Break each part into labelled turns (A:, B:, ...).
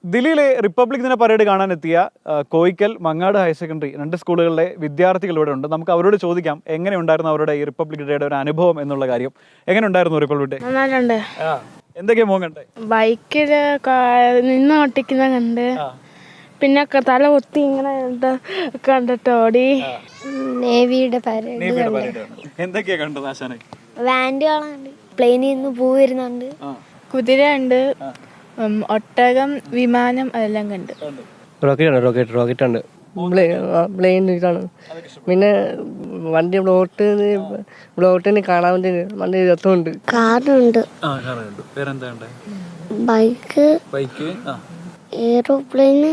A: ദില്ലിയിലെ റിപ്പബ്ലിക് ദിന പരേഡ് കാണാനെത്തിയ കോയിക്കൽ മങ്ങാട് ഹയർ സെക്കൻഡറി 2 സ്കൂളുകളിലെ വിദ്യാർത്ഥികൾ ഇവിടെ ഉണ്ട്. നമുക്ക് അവരോട് ചോദിക്കാം എങ്ങനെ ഉണ്ടായിരുന്നു അവരുടെ ഈ റിപ്പബ്ലിക് ഡേയുടെ ഒരു അനുഭവം എന്നുള്ള കാര്യം. എങ്ങനെ ഉണ്ടായിരുന്നു റിപ്പബ്ലിക് ഡേ?
B: നന്നായിട്ടുണ്ട്.
A: എന്തൊക്കെയാ മോൻ കണ്ടേ?
B: ബൈക്കില് നിന്ന് ഓട്ടിക്കുന്ന കണ്ട്, പിന്നെ തല കുത്തി ഇങ്ങനെ കണ്ടിട്ട് ഓടി.
C: നേവിയുടെ പരേഡ്
A: എന്തൊക്കെയാ കണ്ടത് ആശാനെ?
C: വാൻഡുകളുണ്ട്, പ്ലെയിനിൽ നിന്ന് പൂ വരുന്നുണ്ട്,
B: കുതിര ഉണ്ട്, ഒട്ടകം, വിമാനം അതെല്ലാം കണ്ട്.
D: റോക്കറ്റ് ഉണ്ട്, പ്ലെയിൻ ഇതാണ്. പിന്നെ വണ്ടി ബ്ലോട്ടിന് കാണാൻ വേണ്ടി വണ്ടി രസമുണ്ട്.
C: കാറുണ്ട്, ബൈക്ക്, എയ്റോപ്ലെയിന്,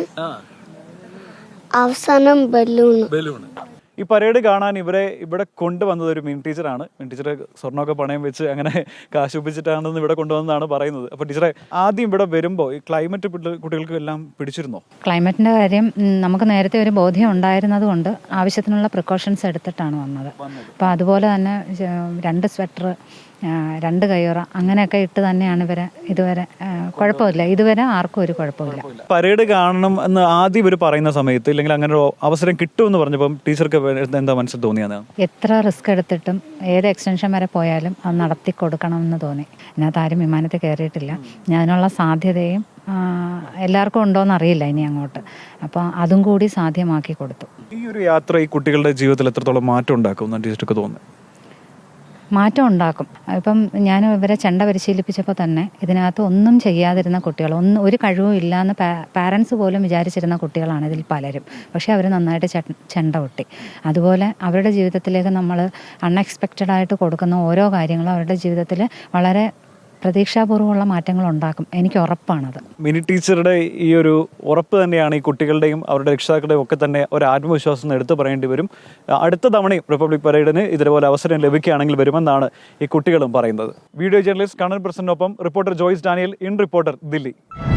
C: അവസാനം ബലൂൺ.
A: ഈ പരേഡ് കാണാൻ ഇവിടെ കൊണ്ടുവന്നത് ഒരു മിനി ടീച്ചറാണ്. മിനി ടീച്ചർ സ്വർണ്ണമൊക്കെ പണയം വെച്ച് അങ്ങനെ കാശുപ്പിച്ചിട്ടാണെന്ന് ഇവിടെ കൊണ്ടുവന്നതാണ് പറയുന്നത്. അപ്പോൾ ടീച്ചറെ, ആദ്യം ഇവിടെ വരുമ്പോൾ ഈ ക്ലൈമറ്റ് കുട്ടികൾക്ക് എല്ലാം പിടിച്ചിരുന്നോ?
E: ക്ലൈമറ്റിൻ്റെ കാര്യം നമുക്ക് നേരത്തെ ഒരു ബോധ്യം ഉണ്ടായിരുന്നത് കൊണ്ട് ആവശ്യത്തിനുള്ള പ്രിക്കോഷൻസ് എടുത്തിട്ടാണ് വന്നത്. അപ്പോൾ അതുപോലെ തന്നെ 2 സ്വെറ്റർ, 2 കയ്യുറ അങ്ങനെയൊക്കെ ഇട്ട് തന്നെയാണ് ഇതുവരെ കുഴപ്പമില്ല. ഇതുവരെ ആർക്കും ഒരു കുഴപ്പമില്ല.
A: പരേഡ് കാണണം എന്ന് ആദ്യം ഇവർ പറയുന്ന സമയത്ത്, ഇല്ലെങ്കിൽ അങ്ങനെ ഒരു അവസരം കിട്ടുമെന്ന് പറഞ്ഞപ്പം ടീച്ചർക്ക് എന്താ മനസ്സിൽ തോന്നിയാണ്?
E: എത്ര റിസ്ക് എടുത്തിട്ടും ഏത് എക്സ്റ്റൻഷൻ വരെ പോയാലും അത് നടത്തി കൊടുക്കണമെന്ന് തോന്നി. ഇതിനകത്ത് ആരും വിമാനത്തിൽ കയറിയിട്ടില്ല. അതിനുള്ള സാധ്യതയും എല്ലാവർക്കും ഉണ്ടോയെന്ന് അറിയില്ല ഇനി അങ്ങോട്ട്. അപ്പോൾ അതും കൂടി സാധ്യമാക്കി കൊടുത്തു.
A: ഈ ഒരു യാത്ര ഈ കുട്ടികളുടെ ജീവിതത്തിൽ എത്രത്തോളം മാറ്റം ഉണ്ടാക്കും എന്നാണ് ടീച്ചർക്ക് തോന്നുന്നത്?
E: മാറ്റം ഉണ്ടാക്കും. ഇപ്പം ഞാൻ ഇവരെ ചെണ്ട പരിശീലിപ്പിച്ചപ്പോൾ തന്നെ ഇതിനകത്ത് ഒന്നും ചെയ്യാതിരുന്ന കുട്ടികൾ, ഒരു കഴിവും ഇല്ലയെന്ന് പാരൻസ് പോലും വിചാരിച്ചിരുന്ന കുട്ടികളാണ് ഇതിൽ പലരും. പക്ഷേ അവർ നന്നായിട്ട് ചെണ്ട കൊട്ടി. അതുപോലെ അവരുടെ ജീവിതത്തിലേക്ക് നമ്മൾ അൺഎക്സ്പെക്റ്റഡായിട്ട് കൊടുക്കുന്ന ഓരോ കാര്യങ്ങളും അവരുടെ ജീവിതത്തിൽ വളരെ പ്രതീക്ഷാപൂർവ്വമുള്ള മാറ്റങ്ങൾ ഉണ്ടാക്കും. എനിക്ക് ഉറപ്പാണത്.
A: മിനി ടീച്ചറുടെ ഈ ഒരു ഉറപ്പ് തന്നെയാണ് ഈ കുട്ടികളുടെയും അവരുടെ രക്ഷിതാക്കളുടെയും ഒക്കെ തന്നെ ഒരു ആത്മവിശ്വാസം എടുത്തു പറയേണ്ടി വരും. അടുത്ത തവണയും റിപ്പബ്ലിക് പരേഡിന് ഇതേപോലെ അവസരം ലഭിക്കുകയാണെങ്കിൽ വരുമെന്നാണ് ഈ കുട്ടികളും പറയുന്നത്. വീഡിയോ ജേർണലിസ്റ്റ് കണ്ണൻ പ്രസന്നൊപ്പം reporter Joyce Daniel, in reporter, Delhi.